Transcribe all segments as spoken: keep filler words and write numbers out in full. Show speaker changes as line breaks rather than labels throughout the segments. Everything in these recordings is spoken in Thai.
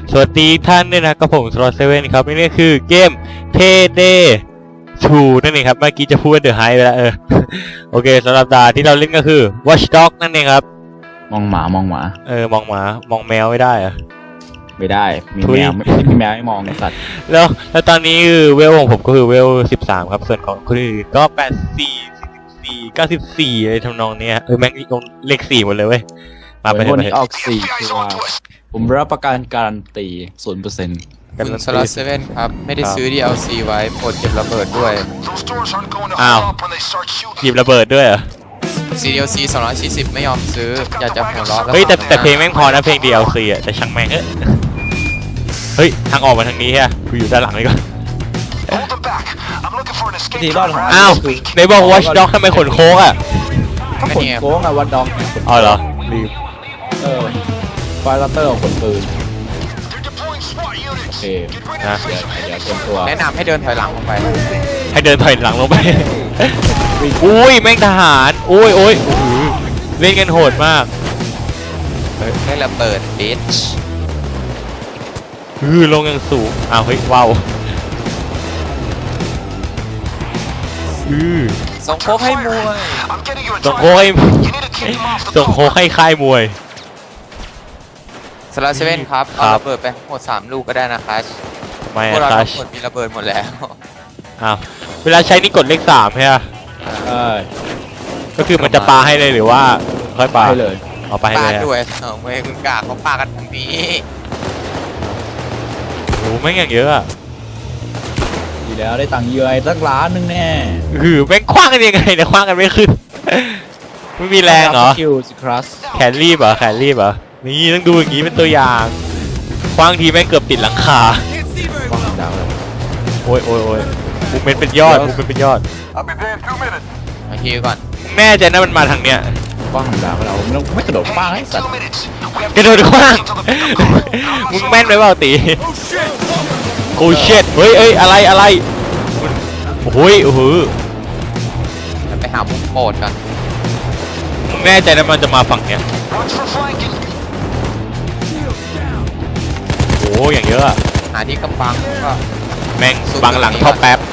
สวัสดีท่านด้วยนะกับผมสโลว์เซเว่นครับนี่คือเกม Payday ทูนั่นเองครับเมื่อกี้จะพูดว่า The High ไปแล้วเออ โอเคสำหรับดาที่เราเล่นก็คือ Watch Dogs นั่นเองครับ
มองหมามองหมา
เออมองหมามองแมวไม่ได้อะ
ไม่ได้มีแมวไม่มีแมวไม่มองในสัตว์
แล้วแล้วตอนนี้คือเวลของผมก็คือเวลสิบสามครับส่วนของคนอื่นก็แปดสิบสี่ สี่สิบสี่ เก้าสิบสี่อะไรทำนองเนี้ยเออแม่งลงเลขสี่หมดเลยเว้ย
มาเป็นคนที่ออกสี่ตัวผมรับประกันการันตี ศูนย์เปอร์เซ็นต์
คุณสลัดเซเว่นครับไม่ได้ซื้อ ดี แอล ซี ไว้โปรดเก็บระเบิดด้วย
อ้าวหยิบระเบิดด้วยเหรอ
ซี ดี แอล ซี สองร้อยสี่สิบไม่ยอมซื้ออยากจะหัวเราะแล้ว
เฮ้ยแต่แต่เพลงแม่งพอนะเพลง ดี แอล ซี อ่ะแต่ช่างแม่งเอ้ยเฮ้ยทางออกมาทางนี้ฮะกูอยู่ด้านหลังนี่ก่อน
ทีรอดของ
อ้าวในบอก Watch Dogs ทำไมขนโค้งอ่ะ
ก็ขนโค้งอะวัดดอง
อ๋อเหรอรีบ
เออไฟลัตเตอร์ของคนปืนโอเค
นะ
เดี๋ยวเดี๋ยวเตรียมตัว
แนะนำให้เดินถอยหลังลงไป
ให้เดินถอยหลังลงไปอุ้ยแม่งทหารโอ้ยโอ้ยเล่นกันโหดมาก
ได้ระเบิดบิช
อือลงอย่างสูงอ้าวเฮ้ยว้าวอือ
ส่งโค้กให้มวย
ส่งโค้กให้ส่งโค้กให้ค่ายมวย
สลัดเซเว่นครับเอาระเบิดไปหมดสามลูกก็ได้นะครับ
ไม่
พวกเรา
ครั
ทั้งหมดมีระเบิดหมดแล้ว
อ้าวเวลาใช้นี่กดเลขสามใช่ไหม
ใช่
ก็คือมันจะปาให้เลยหรือว่าค่อยปา
ให้เลย
เอาไปให้เลย
ปาด้วยเออเว้ยคุณกาเขาปากันทางนี้
โอ้แม่งอย่างเยอะอะ
ดีแล้วได้ตังค์เยอะไอ้สักล้านนึงแน่
คือแม่งคว้างกันยังไงเนี่ยคว้างกันไม่ขึ้นไม่มีแรงเหรอ
คิวสิครัส
แขนรีบเหรอแขนรีบเหรอนี่ต้องดูอย่างนี้เป็นตัวอย่างคว้างทีแม่งเกือบติดหลังคาโอ้ยโอ้ยโอ้ยมุมเป็นเป็นยอดมุมเป็นเป็นยอด
มาฮิวก่อน
แม่ใจนะมันมาทางเนี้ย
ป้องดาวเราไม่ต้องไม่กระโดดป้างให้สัตว์
กระโดดคว้างมึงแม่นไหมเปล่าตีโอ้เช็ดเฮ้ยเอ้ยอะไรอะไรโอ้ยโอ้โห
ไปหามุมโปรดกัน
มึงแน่ใจนะมันจะมาฝั่งเนี้ยโอ้อย่างเยอะอะ
หาที่กำบังก็
แม่งบังหลังท่อแป๊บ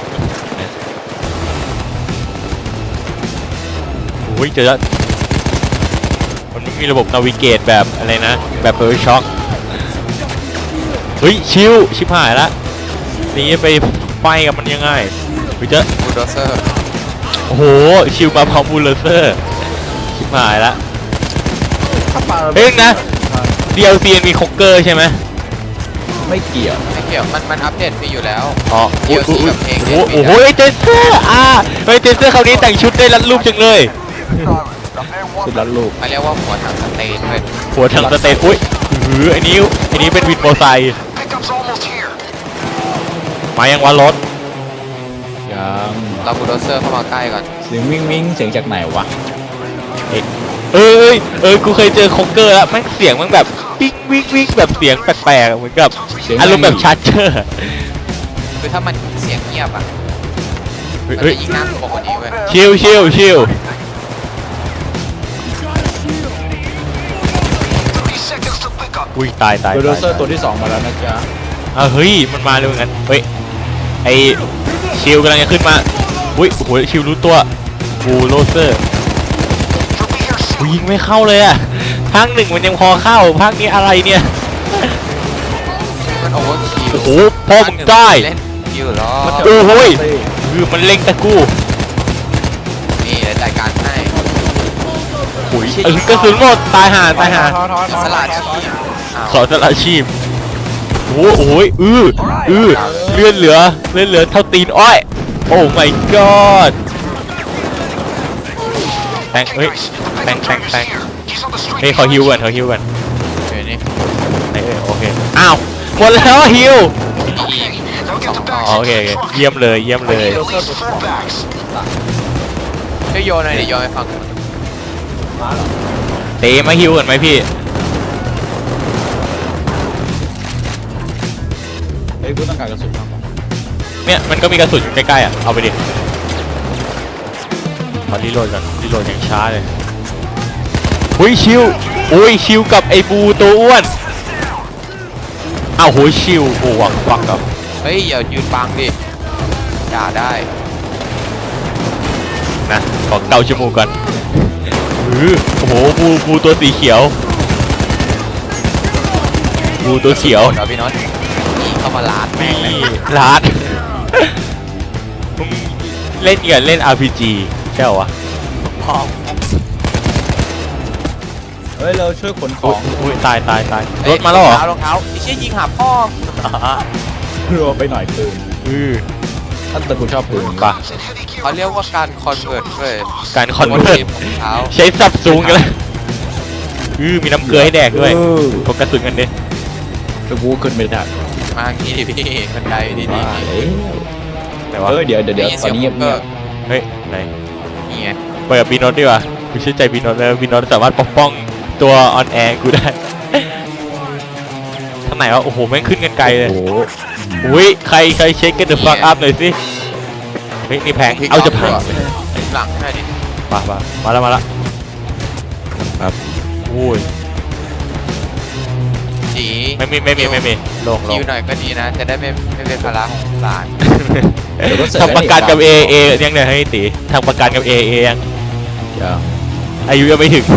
โอ้ยเจอแล้วมันไม่มีระบบนาวิเกตแบบอะไรนะแบบเบอร์ช็อคเฮ้ยชิวชิบหายละนี่ไปไฟกับมันยังไงไปเจอ
บูลโดเซอร์
โอ้โหชิวมาพร้อมบูลโดเซอร์ชิบหายละเฮ้ยนะ ดี แอล ซี มีค็อกเกอร์ใช่ไหม
ไม่เกี่ยว
ไม่เกี่ยวมันมันอัปเดตไปอยู่แล้ว
อ๋อ
ดี แอล ซี กับเพลง
โอ้โหเจสเซอร์อ่าเฮ้ยเจสเซอร์คราวนี้แต่งชุดได้รัดรูปจังเลย
ชุดรัดรูป
มาเรียกว่าหัวถังสเตนเลย
หัวถังสเตนอุ้ยหือไอ้นี้ไอ้นี้เป็นวินโมไซค์มายังวันรถ
ยัง
เราบูลโดเซอร์เข้ามาใกล้ก่อน
เสียงวิ่งวิ่งเสียงจากไหนวะ
เอ้ยเอ้ยกูเคยเจอค็อกเกอร์แล้วแม่งเสียงมันแบบปิ๊งวิ่งวิ่งแบบเสียงแปลกๆเหมือนกับอารมณ์แบบชาร์เจอร์
คือถ้ามันเสียงเงียบอ่ะมันจะยิ่งน่ากลัวกว่านี้เว้ย
ชิลชิลชิลอุ้ยตายตาย
บูลโดเซอร์ตัวที่สองมาแล้วนะจ๊ะ
อ้าวเฮ้ยมันมาเร็วงั้นเฮ้ยไอชิลกำลังจะขึ้นมาอุ้ยโอ้โหชิลรู้ตัวบูลโดเซอร์ยิงไม่เข้าเลยอะภาคหนึ่งมันยังพอเข้าภาคนี้อะไรเนี่ย
มันโอเวอร์คิว
โอ้โหพ่อมึงได้
เล่นคิวหรอ
โอ้โหคือมันเล็งตะกู้
นี่เดี๋ยวจัดการให้
โอ้ยเออกระสุนหมดตายห่าตายห่า
สลัด
ขอสละชีพโอ้โหอืออือเลื่อนเหลือเลื่อนเหลือเท่าตีนอ้อยโอ้ my god แทงเฮ้ยแทงแทงแทงเฮ้ยขอฮิวก่อนขอฮิวก่อน
เดี๋ยวนี้
เฮ้ยโอเคอ้าวหมดแล้วฮิวโอเคเยี่ยมเลยเยี่ยมเลย
ช่วยโยนหน่อยดิโยนให้ฟัง
เตะมาฮิวก่อนไหมพี่
เฮ้ยกูต้องการกระสุน
เนี่ยมันก็มีกระสุนใกล้ๆอ่ะเอาไปดิมารีโหลดก่อนรีโหลดอย่างช้าเลยอุ้ยชิวอุ้ยชิวกับไอ้บูตัวอ้วนอ้าวโหชิวโอ้วังวังกับ
เฮ้ยอย่ายืนบังดิด่าได้
นะขอเกาจมูกก่อนอือโอ้โหบูบูตัวสีเขียวบูตัวเขียว
เดี๋ยวพี่น็อตนี่เข้ามาลาดแม่งเลย
นี่ลาดมึงเล่นกันเล่น อาร์ พี จี ใช่เหรอวะ
พร้อม
เฮ้ยเราช่วยขนข
โอ้
อย ง
โอ้ยตายตายตายรถมาแล้วเหรอ
รองเท้ารองเท้าไอ้เชี่ยยิงหาพ่อ
รัวไปหน่อยปืน
อือ
ท่านแต่กูชอบปืน
ปะ
เขาเรียกว่าการคอนเวิร์ตเว้ย
การคอนเวิร์ต
รองเท้า
ใช้สับสูงกันเลยอือมีน้ำเกลือให้แดกด้วย
เออ
พกกระสุนกันดิ
แต่กูขึ้นไม่ได้
มาอย่างนี้ดิพี่บันไดดีดี
ว่าแล้ว
ไหนวะ
เออเดี๋ยวเดี๋ยวเดี๋ยวตอนนี้เงียบเงียบ
เฮ้ยไหน
นี่ไง
เปิดบีโนตดีกว่ากูเชื่อใจบีโนตเลยบีโนตสามารถปกป้องตัวออนแอร์กูได้ทางไหนวะโอ้โหแม่งขึ้นกันไกลเลย
โอ้โห
อุ้ยใครใครเช็คกันเดอะฟักอัพหน่อยสิเฮ้ยนี่แพงเอาจะพัง
หลังให้ดิ
มามามาแล้วมาแล้วครับโอ้ย
จี
ไม่มีไม่มีไม่มีลงล
คิ
ง
วหน่อยก็ดีนะ จะได้ไม่ไม่เป็นภาระของหลาน
เดี๋ยวก็เสร็จ
ทำประกันกับเอเอยังเนี่ยให้ตีทำประกันกับเอเอยัง
ยัง
อายุยังไม่ถึง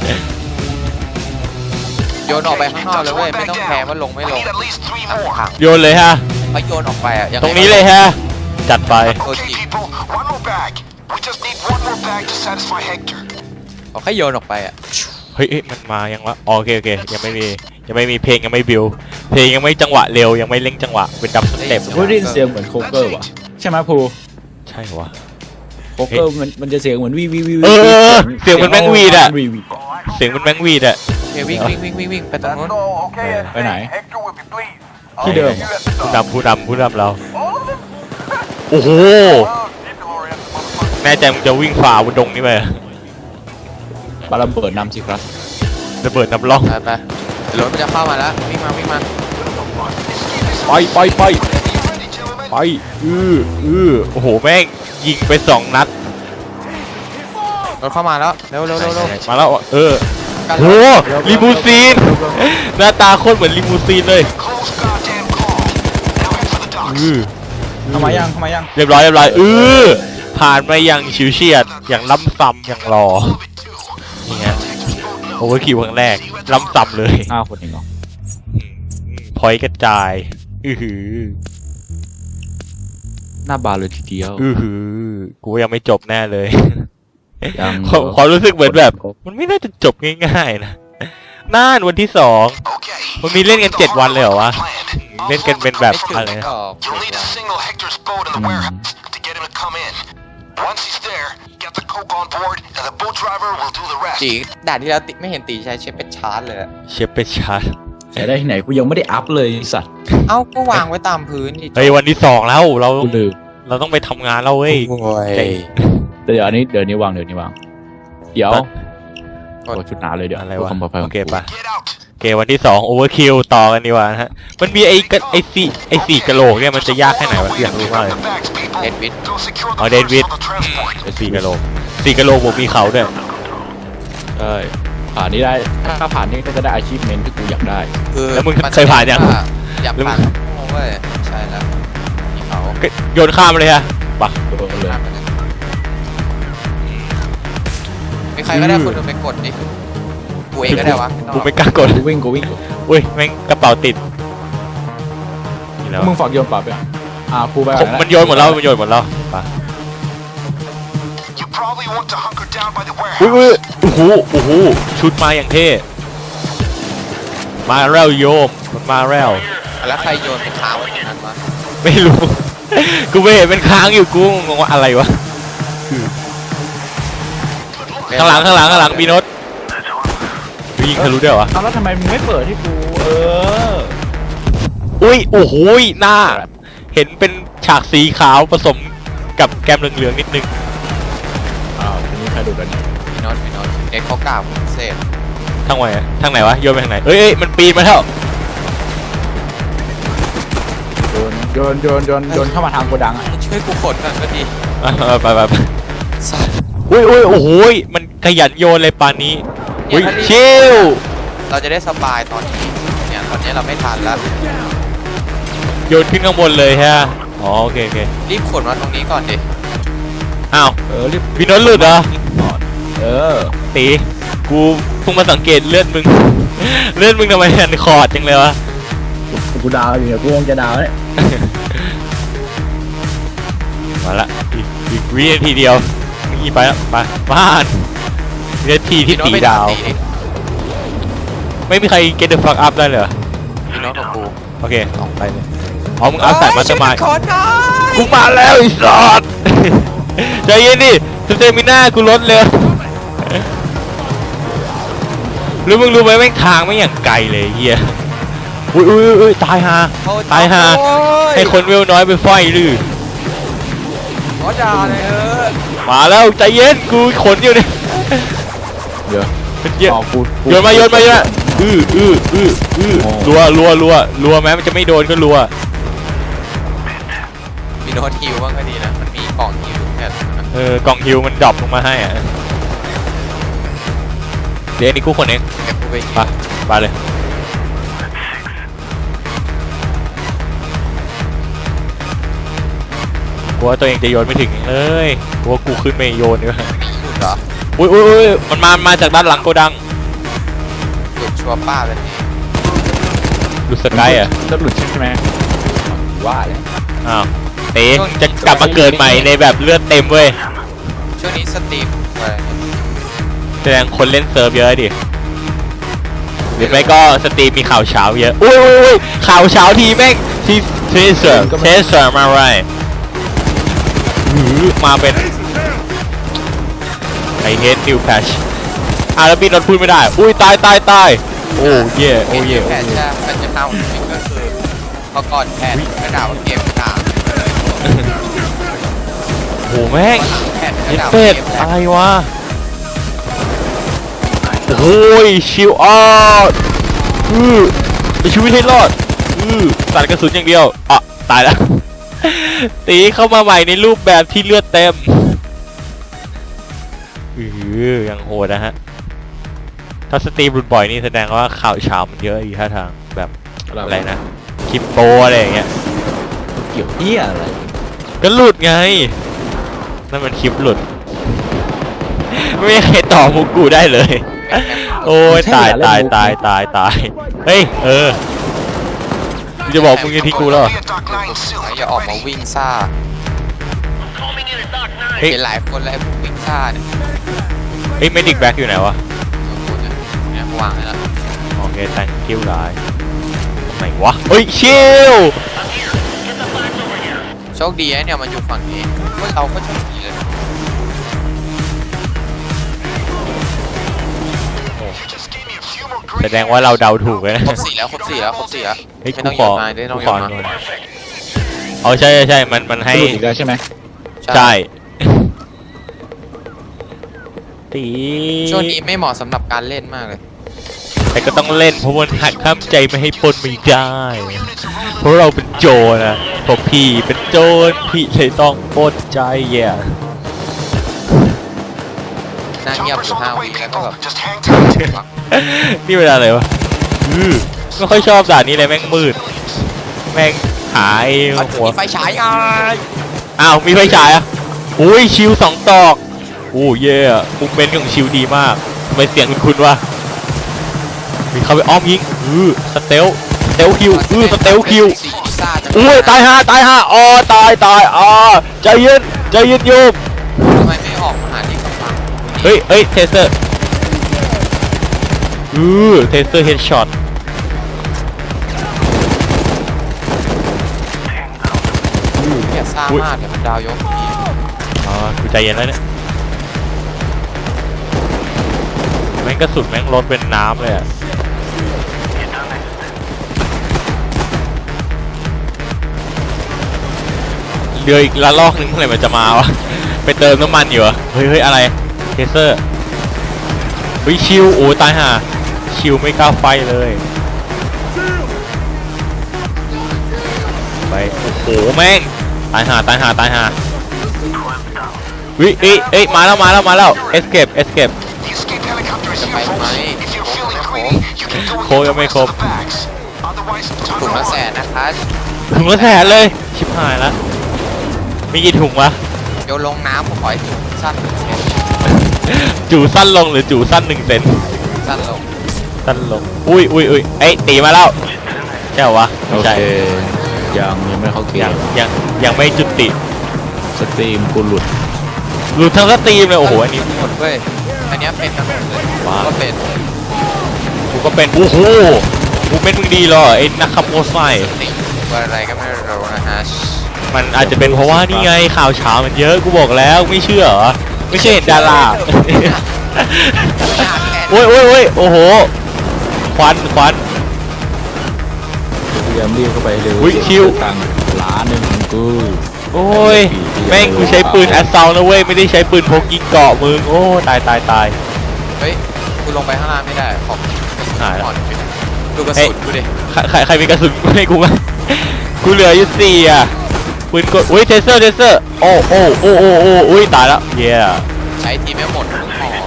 โยนออกไปข้างนอกเลยเว้ยไม่ต้องแคร์ว่าลงไม่ลงถัง
โยนเลยฮะ
เขาโยนออกไปอ่ะยังไ
ตรงนี้เลยฮะจัดไป
ตัวจ
Okay,
ริง
people, one more bag. We just need one more bag to satisfy Hector.
เขาแค่โยนออกไปอ่ะ
เฮ้ยเอ๊ะมันมายังวะอ๋อโอเคโอเคยังไม่มียังไม่มีเพลงยังไม่บิวเพลงยังไม่จังหวะเร็วยังไม่เร่งจังหวะเป็นดับสเต็ป
กูได้ยินเสียงเหมือนโคเกอร์ว่ะใช่ไหมภู
ใช่เหรอวะ
โคเกอร์มันมันจะเสียงเหมือนวีวีวี
เออเสียงเหมือนแมงวีดอะ
วีวี
เสียงมันแมงวีดอะ
โอเควิ่งวิ่งวิ่งวิ่งวิ่งไปตรงนู้น
okay,
Uh,
and
Bên này.
Hector will be pleased.
Cái đường.
You at the
ผู้
top.
นำผู้นำผู้นำเรา
All of them?
โอ้โห
Oh, keep the Lorian, motherfucker.
แน่ใจมึงจะวิ่งฝ่าบนดงนี่ไปเหรอ
ปาระเบิดนำสิครับ
ระเบิดน้ำร่อง
ไปไปเดี๋ยวรถมันจะเข้ามาแล้ววิ่งมาวิ่งมา
ไปไปไป
You ready, gentlemen?
ไปอืออือโอ้โหแม่งยิงไปสองนัด
รถเข้ามาแล้วเร็วเร็วเร็วเร็ว
มาแล้วเออ
กัน
โหลิมูซีนหน้าตาโคตรเหมือนลิมูซีนเลย
Close goddamn call. Now head for the docks.
อือ
เข้ามายังเข้ามายัง
เรียบร้อยเรียบร้อยอือผ่านมาอย่างฉิวเฉียดอย่างล้ำซ้ำอย่างรอ
All of it, too.
นี่ฮะโอเวอร์คิวครั้งแรกล้ำซ้ำเลย
อ้าวคนเองเหรอ
พอยกระจายอือหือ
หน้าบานเลยทีเดียว
อือหือกูยังไม่จบแน่เลย
ยัง
ความความรู้สึกเหมือนแบบ มันไม่น่าจะจบง่ายๆนะน่านวันที่สอง
Okay.
มันมีเล่นกันเจ็ดวันเลยเหรอวะ
Planned.
เล่นกันเป็นแบบ
ไม่ถึง
อะไรนะ
ดอก
You'll need to signal Hector's boat in the warehouse to get him to come in. Once he's there, get the coke on board, and the boat driver will do the rest.
จีด่านที่แล้วติไม่เห็นตีใช้เชฟเป็นชาร์จเลยอะ
เชฟไปชาร์จ
ใช้ได้ที่ไหนกูยังไม่ได้อัพเลยไอ้สัตว์
เอ้าก็วางไว้ตามพื้นดิ
เฮ้ยวันที่สองแล้วเรา
กูลืม
เราต้องไปทำงานแล้วเว้ย
โอ้ย
เดี๋ยวอันนี้เดี๋ยวนี้วางเดี๋ยวนี้วางเดี๋ยว
ตัด
โอ้ชุดหนาเลยเดี๋ยว
อะไร
เพื่
วะ
ความปลอดภัยข
โอ
อง
เค
กู
ปะ
Get out.
โอเควันที่สองโอเวอร์คิวต่อกันดีกว่านะฮะมันมีไอ้กระไอ้สี่ไอ้สี่กะโหลกเนี่ยมันจะยากแค่ไหนวะอยากรู้มากเลย
The bags, people.
เดนวิด
Go secure the
Oh,
first
David.
of the transport.
ไอ้สี่กะโหลกสี่กะโหลกผมมีเขาด้วย
ใช่ผ่านนี้ได้ถ้าผ่านนี้ก็จะได้อาชีพเมนที่กูอยากได้
คือ
แล้วมึง
น
เคยผ่านยัง
ว่าอยาก
แล้วมึ
ผ่าง นเว้ยใช่แล้วมีเขา
โยนข้ามเลยฮะปะ
โดนเลย
มีใครก็ได้คนหนึงไปกดดิกูเองก็ได้วะ
กูไม่กล้ากด
กูวิ่งกูวิ่ง
อุ้ยแม่งกระเป๋าติดนี่แล้ว
มึงฝากโยนปรับไปอ่ะอ่ากูไป
ผม
ก่ะ
มันโยนหมดแล้วมันโยนหมดแล้วปะ
You probably want to hunker down by the
อุ้ย
warehouse.
อุ้ยโอ้โหโอ้โหชุดมาอย่างเท่มาแล้วโยมมันมาแล้ว
แล้วใครโยนไปค้างไว้ตรงนั้นวะ
ไม่รู้ กูไม่เห็นเป็นค้างอยู่กูงงว่าอะไรวะข้างหลังข้างหลังข้างหลังมีโน้ตยิงทะลุได้เหรอวะ
เอาแล้วทำไมมึงไม่เปิดให้กูเออ
อุ้ยโอ้โหหน้า เห็นเป็นฉากสีขาวผสมกับแก้มเหลืองๆนิดนึง
อ้าวทีนี้ใครดูกันเนี่ย
พี่น็อตพี่น็อตเอ็กเขากล่าวพิเศษ
ทางไหนอะทางไหนวะโยนไปทางไหนเอ้ยเอ้ยมันปีนมาแล้ว
โยนโยนโยนโยนโยนเข้ามาทางโกดังอ่ะ
ช่วยกูขนก่อนก็ดี
อ่ะไปไปไป
สัตว์
อุ้ยอุ้ยโอ้โหมันขยันโยนเลยปานนี้
เนี่
อุ้
ย
ย
ถ้ารีบ
ชิล
เราจะได้สบายตอนนี้เนี่ยตอนนี้เราไม่ทันแล้ว
โยนขึ้นข้างบนเลยฮะอ๋อโอเคโอเค
รีบขนมาตรงนี้ก่อนดิ
อ้าว
เออรีบ
พี่โน้ตหลุดเหรอ
เออ
ตีกูเพิ่งมาสังเกตเลือดมึง เลือดมึงทำไมหันคอร์ดจังเลยวะ
กูดาวอยู่เนี่ยกูคงจะดาวเนี่ย
มาละอีกอีกวินาทีเดียวนี่ไปแล้วไปบ้านวินาทีที่
พี่โน้ต
ตี
ไป
ดาว
ตีดิ
ไม่มีใคร get the fuck up ได้เลยเหรอ
พี่โน้ตของกู
โอเคออกไปเลยอ๋อมึงเอาใส่มาสมาย
ขนหน่อย
กูมาแล้วไอ้สัส ใจเย็นดิสเตมิน่ากูลดเร็วหรือมึงรู้ไหมแม่งทางไม่อย่างไกลเลยเฮียอุ้ยอุ้ยอุ้ยตายฮา
โอ้
ตายฮา
โอ้ย
ให้คนเวลน้อยไปไฟลือ
ขอด่าเลยเออ
มาแล้วใจเย็นกูขนอยู่เนี่ย
เดี๋ยว
เป็นเยอะ
อ๋อกูกู
โยนมาโยนมาโยนมาอื้ออื้ออื้ออื้อ
โอ้
รัวรัวรัวรัวแม้มันจะไม่โดนก็รัว
พี่โน้ตฮิวบ้างก็ดีนะมันมีกล่องฮิวแค่นั้น
เออกล่องฮิวมันดรอปลงมาให้อ่ะเดี๋ยวอันนี้กูคนเอง
เก็บกูไปฮิ
ไป
ว
ไปเลยกลัวตัวเองจะโยนไม่ถึงเอ้ยกลัวกูขึ้นไม่โยนดีกว่า
มีหลุดเหรอ
อุ้ยอุ้ยอุ้ยมันมามาจากด้านหลังโกดัง
หลุดชัวร์ป้าเลยนี่
ดูสกายอ่ะ
จะหลุดใช่ไหมว่าเลย
อ้าวเต๋จะกลับมาเกิดใหม่ในแบบเลือดเต็มเว้ย
ช่วงนี้สตรีมอะไร
แสดงคนเล่นเซิร์ฟเยอะดิหรือไม่ก็สตรีมมีข่าวเช้าเยอะอุ้ยอุ้ยอุ้ยข่าวเช้าทีแม่งที่เทเซอร์เทเซอร์มาไรหือมาเป็นไอเฮดนิวแพชอ่ะแล้วพี่นนท์พูดไม่ได้อุ้ยตายตายตายโอ้เย่โอ้เย่
แพทใช่มันจะเข้าจริงก็คือพอก่อนแพทกระดาษว่าเกมกา
โอ้แม่ง
แพทก
เย็
ระ
ด
ดาษ
เป็ด
เกมแพ
อะ
ท
ไรวะโอ้ยชิวออดอือไปชีวิตให้รอดอือตัดกระสุนอย่างเดียวอ่ะตายแล้ว ตีเข้ามาใหม่ในรูปแบบที่เลือดเต็มอือยังโหดนะฮะถ้าสตรีมรุนบ่อยนี่แสดงว่าข่าวเช้ามันเยอะอีกท่าทางแบบอะไรนะคลิปโปอะไรอย่างเงี้ย
เกี่ยวเหี้ยอะไร
ก็หลุดไงนั่นมันคลิปหลุด ไม่มีใครต่อมุกกูได้เลย โอ้ยตายตายตายตายตายเฮ้ยเออกูจะบอกมึงจะทิ้งกูแล้วเหรอ
Be at Dock nine soon.
อย่าออกมาวิ่งซ่า
เฮ้ย
เห็นหลายคนแล้วไอ้พวกวิ่งซ่าเนี่ย
เฮ้ยเมดิกแบ็กอยู่ไหนวะ
บางคนเนี่ยเนี่ยวางให้แล้ว
โอเค thank you หลายไหนวะเฮ้ยชิล
โชคดีไอ้เนี่ยมันอยู่ฝั่งนี้พวกเราก็โชคดีเลย
Just gave me a few more
แส
great
ดงว่าเราเดาถูกเลยนะ
ครบสี่แล้วครบสี่แล้วครบสี่แล้ว
เฮ้ย
ไม่
กู
ต้อง
ข
โย
อน
มาไม่ต้อง
กู
โย
ขอน
มา
อ๋อใช่ใช่ใช่มันมันให้
จะหลุดอีกแล้วใช่ไหม
ใช่ตี
ช่วงนี้ไม่เหมาะสำหรับการเล่นมากเลย
แต่ก็ต้องเล่นเพราะมันหักข้ามใจไม่ให้ปนไม่ได้ เพราะเราเป็นโจรนะพวกพี่เป็นโจรพี่เลยต้องปนใจแย่
น่าเงียบอ
Choppers
ยู่
on
ห้า
the
วิ
way,
แล้วก็
people.
แบบ
Just hang tight.
นี่เวลาอะไรวะอือไม่ค่อยชอบด่านนี้เลยแม่งมืด แม่งหาย
เอา
หัว
มีไฟฉายอ่ะ
อ้าวมีไฟฉายอ่ะอุ้ยชิวสองตอกโอ้เย่มุกเมนต์ของชิวดีมากทำไมเสียงคุณคุณวะมีเข้าไปอ้อมยิงอือสเตลสเตลคิวอือสเตลคิว
สีพิซซ่าจัง
อุ้ยตายห่าตายห่าอ๋อตายตายอ๋อใจเย็นใจเย็นโยม
ทำไมไม่ออกมาหาที่กำบัง
เฮ้ยเฮ้ยเทเซอร์อือเทเซอร์เฮดช็อต
เนี่ยซ่ามากเดี๋ยวมันดาวยกที
อ๋อกูใจเย็นแล้วเนี่ยแม่งกระสุนแม่งลดเป็นน้ำเลยอะเรืออีกละลอกนึงเมื่อไหร่มันจะมาวะไปเติมน้ำมันอยู่เหรอเฮ้ยเฮ้ยอะไรเทเซอร์เฮ้ยชิวโอ้ตายห่าชิวไม่กล้าไฟเลยไปโอ้โหแม่งตายห่าตายห่าตายห่าวิเอ้ยเอ้ยมาแล้วมาแล้วมาแล้ว escape escape
The escape helicopter is here, folks. If you're feeling greedy, you can go
โคยังไม่ครบ
to the bags. Otherwise,
ถุง
time
ละ
to
แส
run.
นนะคะ
ถุงละแสนเลยชิบหายละมีกี่ถุงวะ
โยนลงน้ำผมขอให้ถึงสั้นหนึ่งเซน
จู่สั้นลงหรือจู่สั้นหนึ่งเซน
สั้นลง
สั้นลงอุ้ยอุ้ยอุ้ยเอ้ยตีมาแล้วใช่เหรอวะ
โอ
ไม่
เค
ใช่
ยังยังไม่เข้าเก
ยัง
ม
ยังยังไม่จุติ
สตรีมกูหลุด
หลุดทั้งสตรีมเลยโอ้โหอันนี้
หมดเว้ยอันเนี้ยเป็นกันหมดเลย
ว้าว
ก็เป็น
กูก็เป็นโอ้โหกูเป็นมึงดีเหรอไอ้นักขับโมไซค์
ติว่าอะไรก็ไม่รู้นะฮะ
มันอาจจะเป็นเพราะว่านี่ไงข่าวเช้ามันเยอะกูบอกแล้วไม่เชื่อเหรอไม่เชื่อเห็นดารา โอ้ยโอ้ยโอ้ยโอ้โหควันควัน
พยายามรีบเข้าไปเร็ว
อุ๊ยคิว
ตังค์ล้านหนึ่งของกู
โอ้ยแม่งกูใช้ปืนแอสซาวนะเว้ยไม่ได้ใช้ปืนพกยิงเกาะมึงโอ้ตายตายตาย
เฮ้ยกูลงไปข้างล่างไม่ได้ขอบ
หายแล้ว
อ่อนไปดูกระ
เฮ้
สุ
ย
นกูดิ
ใครใครใครมีกระสุนให้กูไหมกูเหลืออยู่สี่อ่ะปืนกดอุ้ยเทเซอร์เทเซอร์โอ้โอ้โอ้โอ้โอ้อุ้ยตายแล้วเย้
ใช้ทีไม่หมดมึงหอ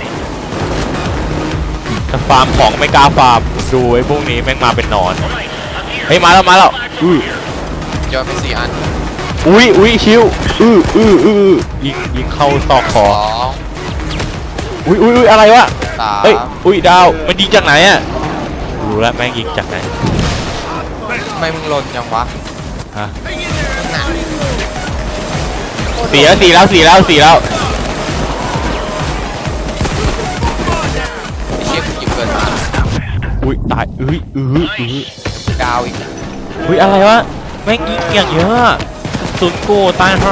จะฟาร์มของไม่กล้าฟาร์มดูไอ้พวกนี้แม่งมาเป็นหนอนเฮ้ยมาแล้วมาแล้วอื้อ
โยนไปสี่อัน
อุ้ยอุ้ยชิวอื้ออื้ออื้อยิงยิงเข้าซอกค
ส
อ
อง
อุ้ยอุ้ยอุ้ยอะไรวะ
สาม
เฮ้ยอุ้ยดาวมันยิงจากไหนอ่ะรู้แล้วแม่งยิงจากไหน
ทำไมมึงหล่นจังวะ
ฮะสี่แล้วสี่แล้วสี่แล้วสี่แล้ว
ไอ้เชี่ยกูหยิบเกินมา
อุ้ยตายอุ้ยอื้ออื้อ
ดาวอีก
อุ้ยอะไรวะแม่งยิงอย่างเยอะอะศูนย์กูตายห่า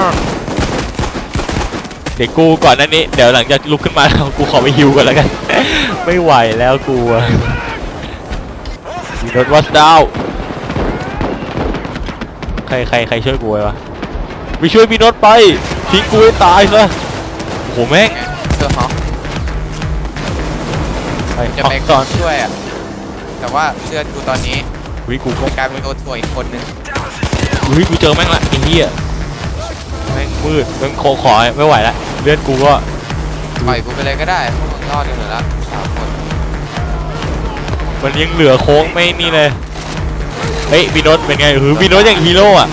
เดี๋ยวกูก่อนหนั้นนี้เดี๋ยวหลังจากลุกขึ้นมาแล้วกูขอไปฮิวก่อนแล้วกัน ไม่ไหวแล้วกูอะมีรถวัสดาวใครใครใครช่วยกูไว้วะไปช่วยพี่โนตไปทิ้งกูให้ตายซะโอ้โหแม่ง
ไงเสื้อฮอก
ไป
จะ
ฮอก
ไป
ก่อน
ช่วยอ่ะแต่ว่าเสื้อกูตอนนี้
วิกูก็
กลายเป็นตัวถ่วยอีกคนนึง
วิกูเจอแม่งละไอ้เหี้ยแม่งมืดแม่งโคขอไม่ไหวละเลือดกูก็
ปล่อยกูไปเลยก็ได้พวกมึงรอดกันหมดแล้วสามคน
มันยังเหลือโค้งไม่นี่เลยเฮ้ยพี่โนตเป็นไงหือพี่โนตอย่างฮีโร่อะ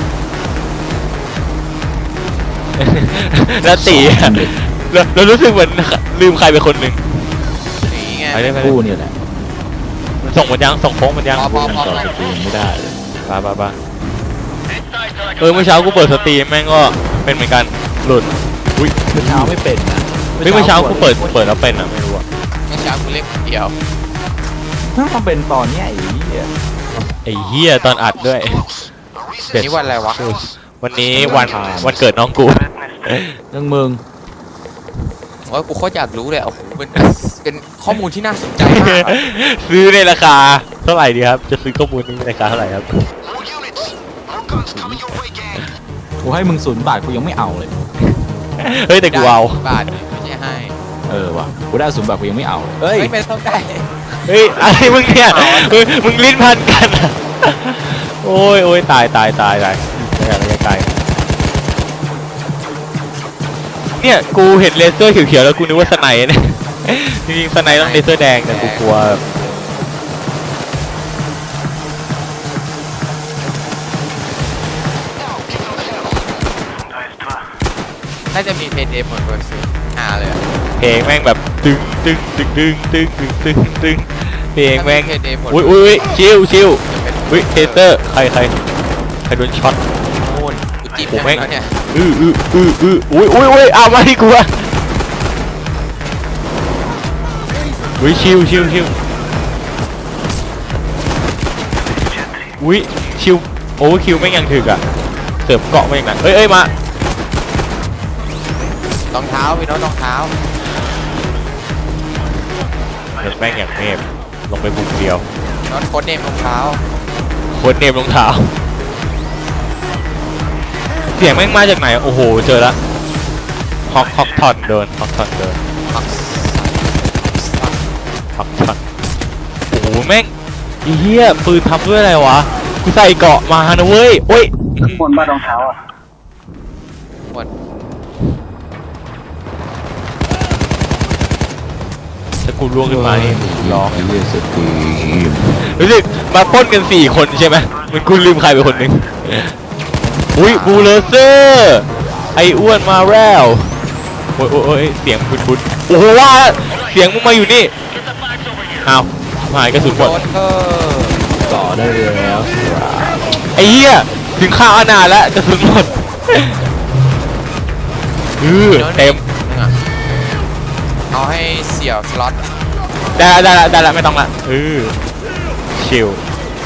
แล้วตีอะเราเรารู้สึกเหมือนลืมใครไปคนหนึ่ง
สีไง
ไปได้ไป
กูเนี่ยแหละ
มันส่งมันยังส่งโค้งมันยัง
พอพอพอ
ต่อสตรีมไม่ได้เลย
ไปไปไปเออเมื่อเช้ากูเปิดสตรีมแม่งก็เป็นเหมือนกันหลุดอุ้ย
เมื่อเช้าไม่เป็นนะ
เฮ้ยเมื่อเช้ากูเปิดเปิดแล้วเป็นอะไม่รู้อะ
เมื่อเช้ากูเล่นคนเดียว
ถ้าเป็นตอนเนี้ยไอ้เหี้ย
ไอ้เหี้ยตอนอัดด้วย
เดี๋ยวนี้วันอะไรวะ
วันนี้วันวันเกิดน้องกู
เรื่องมึง
โอ้ยกูโคตรอยากรู้เลยโอ้โหเป็นเป็นข้อมูลที่น่าสนใจมากอะ
ซื้อในราคาเท่าไหร่ดีครับ จะซื้อข้อมูลนี้ในราคาเท่าไหร่ครับ
More units. More guns coming your way, gang.
กูให้มึงศูนย์บาทกูยังไม่เอาเลย
เฮ้ยแต่กูเอา
บาทไม่ใช่ให้
เออว่ะกูได้ศูนย์บาทกูยังไม่เอาเลยเฮ้ย
ไม่เป็นต้องได้
เฮ้ยอะไรมึงเนี่ยมึงมึงลิ้นพันกันอะโอ้ยโอ้ยตายตายตายตายไม่อยากจะตายเนี่ยกูเห็นเลเซอร์เขียวๆแล้วกูนึกว่าสไนด์เนี่ยจริงๆสไนด์ต้องเลเซอร์แดงแต่กูกลัว
น่าจะมีเพย์เดย์หมดเลยสิหาเลยอะ
เพลงแม่งแบบตึงตึงตึงตึงตึงตึงตึงตึงเพลงแม่ง
ถ้าเพย์เดย์หมด
อุ้ยอุ้ยอุ้ยชิวชิว
จะเป็น
อุ้ยเทเซอร์ใครใครใครโดนช็อต
โน่นกูจิ้ม
ผม
ได้
แม่ง
แล้วเนี่ย
อื้ออื้ออื้ออื้ออุ้ยอุ้ยอุ้ยเอามาที่กูอะอุ้ยชิวชิวชิวอุ้ยชิวโอ้คิวแม่งยังถึกอะเสิร์ฟเกาะมาอย่างนั้นเอ้ยเอ้ยมาร
องเท้าพี่โน้ตรองเท้า
เดินแม่งอย่างเมฟลงไปบุกเดียว
โน้ตโค้ดเนมรองเท้า
โคตรเนมรองเท้าเสียงแม่งมาจากไหนโอ้โหเจอละฮอกฮอกทอนเดินฮอกทอนเดิน
มัก
ฮอกทอนโอ้โหแม่งไอ้เหี้ยปืนทำด้วยอะไรวะกูใส่เกราะมานะเว้ยโอ้ย
คนบ้านรองเท้าอ่ะ
หมด
ถ้ากูล่วงขึ้นมานี่ร้อง
ไอ้เหี้ยสตรีม
รู้สึกมาปล้นกันสี่คนใช่ไหมเหมันกูลืมใครไปคนหนึ่งอุ้ยบูเลเซอร์ไอ้อ้วนมาแล้วโอ้ยโอ้ยโอ้ยเสียงบุดบุดโอ้โหว่าเสียงมึงมาอยู่นี่อ้าวหายกระสุนหม
โด
ด
นเออ
ต่อได้แล้ว
ไอ้เหี้ยถึงข้าวอนาถแล้วกระสุนหมดเออเต็ม
นึงอ่ะเอาให้เสี่ยวสล็อต
ได้ละได้ละได้ละไม่ต้องละเออชิล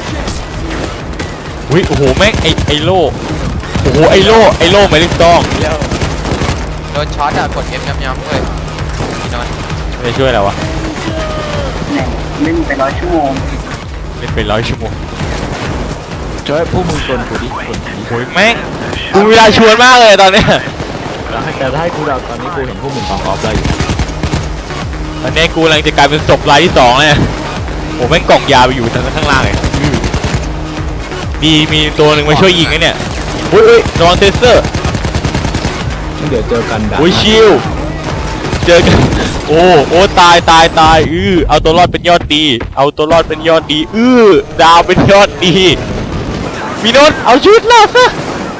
อุ้ยโอ้โหแม่งไอไอโล่โอ้โหไอโล่ไอโล่ไม่ได้ต้อง
โดนช็อตอ่ะกด F ย้ำๆเลยพี่นนท์
ไม่ช่วยอะไรวะ
เนี่ยเล่นไปร้อยชั่วโมง
เล่นไปร้อยชั่วโมง
ช่วยพวกมึงชวนกูดิชวนกูดิ
โอ้ยแม่งกูเวลาชวนมากเลยตอนเนี้ย
แล้วให้แต่ถ้าให้กูเดาตอนนี้กูเห็นพวกมึงสองออฟได้อยู่
ตอนนี้กูกำลังจะกลายเป็นศพรายที่สองเลยโอ้แม่งกล่องยาไปอยู่ทางข้างล่างเลยอื้อมีมีตัวหนึ่งมาช่วยยิงไอ้เนี่ยอุ้ยอุ้ยระวังเซนเซอร์
เดี๋ยวเจอกันด่า
อุ้ยชิลเจอกันโอ้โอ้ตายตายตายอื้อเอาตัวรอดเป็นยอดดี เอาตัวรอดเป็นยอดดีอื้อดาวเป็นยอดดีมีโนนเอาชุดรอดซะ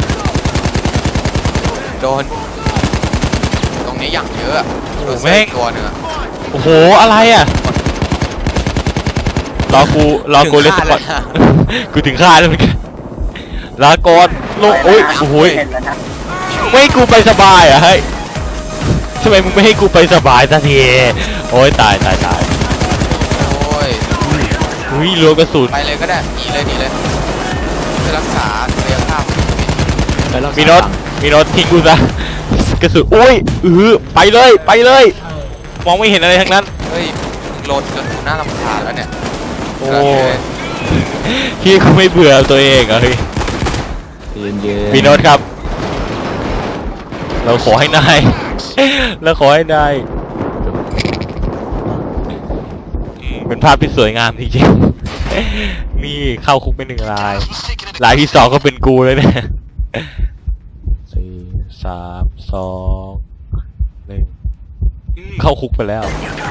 โดนตรงนี้อย่างเยอะอะ
โอ้
โดน
แม่ง
ตัวหนึ่งอะ
โอ้โหอะไรอ่ะรอกูรอกูเล่นสปอร์ต กูถึงฆ่าแล้วเหมือนกันลาก่อนโลกโอ้ยโอ้โหย
เห็นแล้วนะ
ไม่ให้กูไปสบายเหรอ่ะเฮ้ยทำไมมึงไม่ให้กูไปสบายสักทีโอ้ยตายตายตาย
โอ้ย
อุ้ยรัวกระสุน
ไปเลยก็ได้หนีเลยหนีเลยเพื่อรักษาศักยภาพ
ไปรักษา
มีโนตมีโนตทิ้งกูซะกระสุนอุ้ยอือไปเลยไปเลย มองไม่เห็นอะไรทั้งนั้น
เฮ้ยมึงโหลดจนกูน่ารำคาญแล้วเนี่ย
โอ้พี่กูไม่เบื่อตัวเองเหรอเฮ้ย
เย็นเย็น
มีโนตครับ เราขอให้นาย เราขอให้นายอืมเป็นภาพที่สวยงามจริงๆ นี่เข้าคุกไปหนึ่งราย
Who's taking it?
รายที่สองก็เป็นกูเลยเนี่ยสี่สามสองหนึ่งอืมเข้าคุกไปแล้ว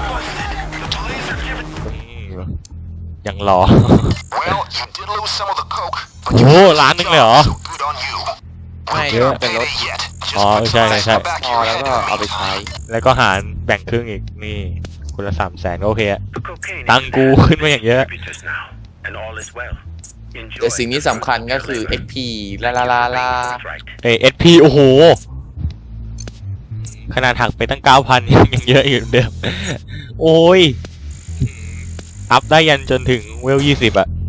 อืมยังรอ
Well, you did lose some of the coke,
โอ้โหล้านหนึงเลยเหรอ
so good on you.
ไม่
เยอะ
เป็นรถ
Payday yet. Just
อ๋อ
put
ใช่
some
ใช่
ice
ใช่
in the back
พ
of
อ
your
แล้ว
head.
ก็เอาไปใช้
แล้วก็หารแบ่งครึ่งอีกนี่คนละสามแสนโอเคอะ
The cocaine
ตังค์กูขึ้นมาอย่างเยอะ
distributors now, and all is well. Enjoy
แต่สิ่งที่สำคัญก็คือ เอ็ก พี ลาลาลาลา
right.
เอเอสพีโอ้โห ขนาดหักไปตั้งเก้าพันยังเยอะอยู่เหมือนเดิม โอ้ย อัพได้ยันจนถึงเวลยี่สิบอะ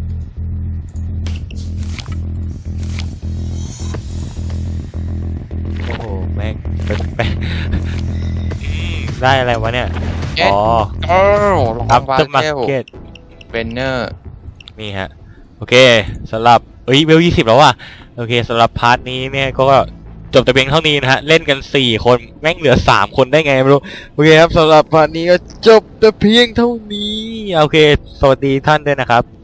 โอ้โห แม่งเป็นแม่งอืมได้อะไรวะเนี่ย
เอ๊ะ
อ๋อ
โอ้ลอง
อัพ
วา
เตอร์มา
เท
ร์
ล
เก็ต
เบนเนอร์
นี่ฮะ โอเคสำหรับเอ้ยเวลยี่สิบแล้วว่ะโอเคสำหรับพาร์ทนี้เนี่ยก็จบแต่เพียงเท่านี้นะฮะ เล่นกันสี่คนแม่งเหลือสามคนได้ไงไม่รู้ โอเคครับสำหรับพาร์ทนี้ก็จบแต่เพียงเท่านี้ โอเค สวัสดีท่านด้วยนะครับ